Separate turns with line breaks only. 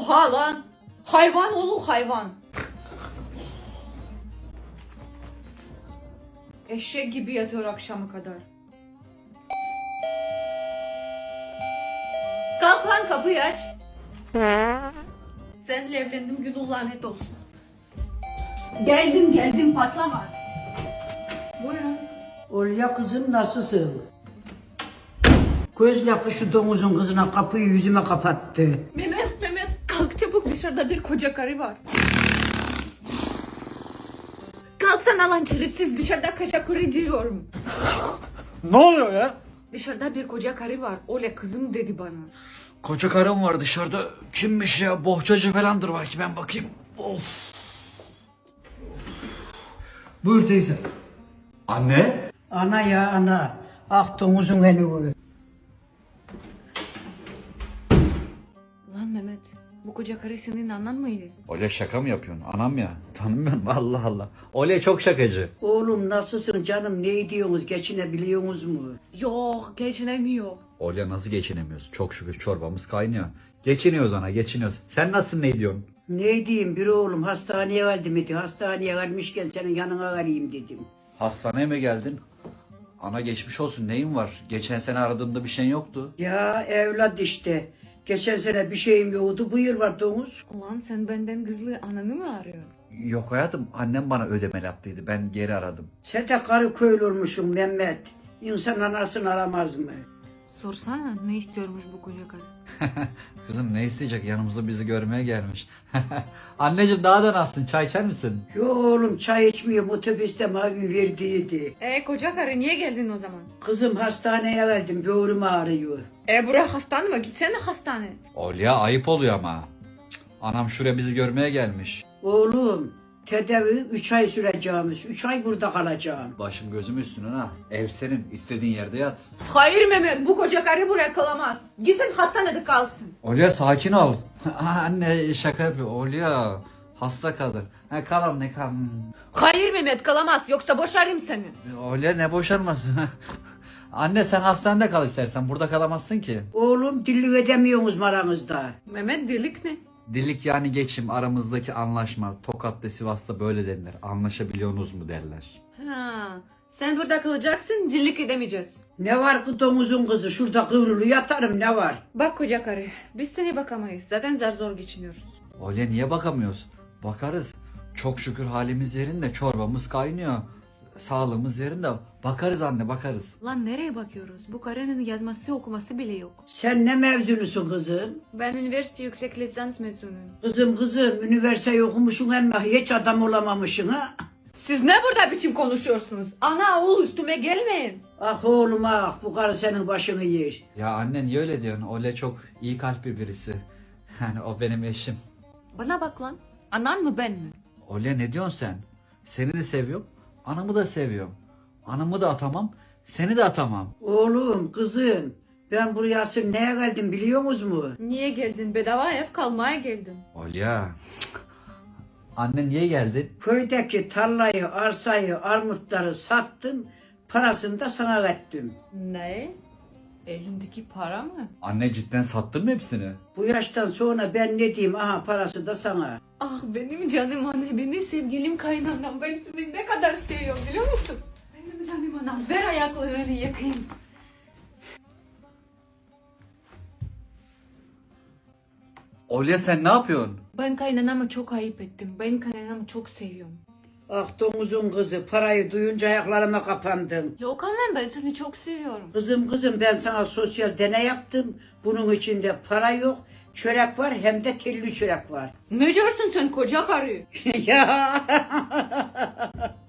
Oha lan. Hayvan oğlu hayvan. Eşek gibi yatıyor akşama kadar. Kalk lan kapıyı aç. Seninle evlendim günün lanet olsun. Geldim patlama. Buyurun.
Olya kızım nasılsın? Göz lafı şu domuzun kızına kapıyı yüzüme kapattı.
Mehmet kalk çabuk, dışarıda bir koca karı var. Kalksana lan şerefsiz, dışarıda koca karı diyorum.
Ne oluyor ya?
Dışarıda bir koca karı var. Öyle kızım dedi bana.
Koca karım var dışarıda. Kimmiş ya? Bohçacı falandır belki, ben bakayım. Of. Buyur teyze. Anne?
Ana ya ana. Ah domuzun eni bu.
Lan Mehmet, bu koca karı senin anan mıydı?
Öyle şaka mı yapıyorsun? Anam ya. Tanımıyorum, Allah Allah. Öyle çok şakacı.
Oğlum nasılsın canım, ne ediyorsunuz, geçinebiliyorsunuz mu?
Yok, geçinemiyor.
Öyle nasıl geçinemiyoruz? Çok şükür çorbamız kaynıyor. Geçiniyoruz ana, geçiniyoruz. Sen nasılsın, ne diyorsun?
Ne diyeyim, bir oğlum hastaneye geldim dedi. Hastaneye gelmişken senin yanına geleyim dedim.
Hastaneye mi geldin? Ana geçmiş olsun, neyin var? Geçen sene aradığımda bir şeyin yoktu.
Ya evlat işte. Geçen sene bir şeyim yoktu, bu yıl var domuz.
Ulan sen benden kızlı ananı mı arıyorsun?
Yok hayatım, annem bana ödemeli attıydı. Ben geri aradım.
Sen de karı köylü olmuşsun Mehmet. İnsan anasını aramaz mı?
Sorsana ne istiyormuş bu koca karı?
Kızım ne isteyecek? Yanımıza bizi görmeye gelmiş. Anneciğim daha da nasılsın? Çay içer misin?
Yo oğlum, çay içmiyorum, otobüste mavi verdiydi.
Koca karı niye geldin o zaman?
Kızım hastaneye geldim, böğrüm ağrıyor.
Buraya hastane mi? Gitsene hastane.
Olya ayıp oluyor ama. Cık, anam şuraya bizi görmeye gelmiş.
Oğlum tedavi 3 ay süreceğimiz, 3 ay burada kalacağım.
Başım gözüm üstüne ha. Ev senin, istediğin yerde yat.
Hayır Mehmet, bu koca karı buraya kalamaz. Gitsin hastanede kalsın.
Olya sakin ol. Anne şaka yapıyor. Olya hasta kadın. Kal anne kal.
Hayır Mehmet, kalamaz, yoksa boşarım seni.
Olya ne boşanması? Anne sen hastanede kal istersen. Burada kalamazsın ki.
Oğlum dilli edemiyorsunuz aranızda.
Mehmet, delik ne?
Dillik yani geçim, aramızdaki anlaşma. Tokat'ta Sivas'ta böyle denilir. Anlaşabiliyorsunuz mu derler.
Ha, sen burada kalacaksın, dillik edemeyeceğiz.
Ne var ki domuzun kızı, şurada kıvrılı yatarım, ne var?
Bak koca karı, biz seni bakamayız. Zaten zar zor geçiniyoruz.
Öyle niye bakamıyoruz? Bakarız. Çok şükür halimiz yerinde, çorbamız kaynıyor. Sağlığımız yerinde. Bakarız anne, bakarız.
Lan nereye bakıyoruz? Bu karının yazması okuması bile yok.
Sen ne mevzunusun kızım?
Ben üniversite yüksek lisans mezunuyum.
Kızım, üniversite okumuşsun ama hiç adam olamamışsın ha?
Siz ne burada biçim konuşuyorsunuz? Ana oğul üstüme gelmeyin.
Ah oğlum ah, bu karı senin başını yer.
Ya anne niye öyle diyorsun? Öyle çok iyi kalpli birisi. Yani o benim eşim.
Bana bak lan. Anan mı ben mi?
Öyle ne diyorsun sen? Seni de seviyorum. Anamı da seviyorum. Anamı da atamam. Seni de atamam.
Oğlum, kızım, ben buraya asıl neye geldim biliyor musunuz mu?
Niye geldin? Bedava ev kalmaya geldim.
Olya. Anne niye geldin?
Köydeki tarlayı, arsayı, armutları sattım, parasını da sana verdim.
Ne? Elindeki para mı?
Anne cidden sattın mı hepsini?
Bu yaştan sonra ben ne diyeyim, aha parası da sana.
Ah benim canım anne, benim sevgilim kaynanam. Ben seni ne kadar seviyorum biliyor musun? Benim canım anam, ver ayaklarını yakayım.
Olya sen ne yapıyorsun?
Ben kaynanamı çok ayıp ettim. Ben kaynanamı çok seviyorum.
Ah domuzun kızı, parayı duyunca ayaklarıma kapandım.
Yok annem, ben seni çok seviyorum.
Kızım ben sana sosyal deney yaptım. Bunun içinde para yok, çörek var, hem de telli çörek var.
Ne diyorsun sen koca karı?
Ya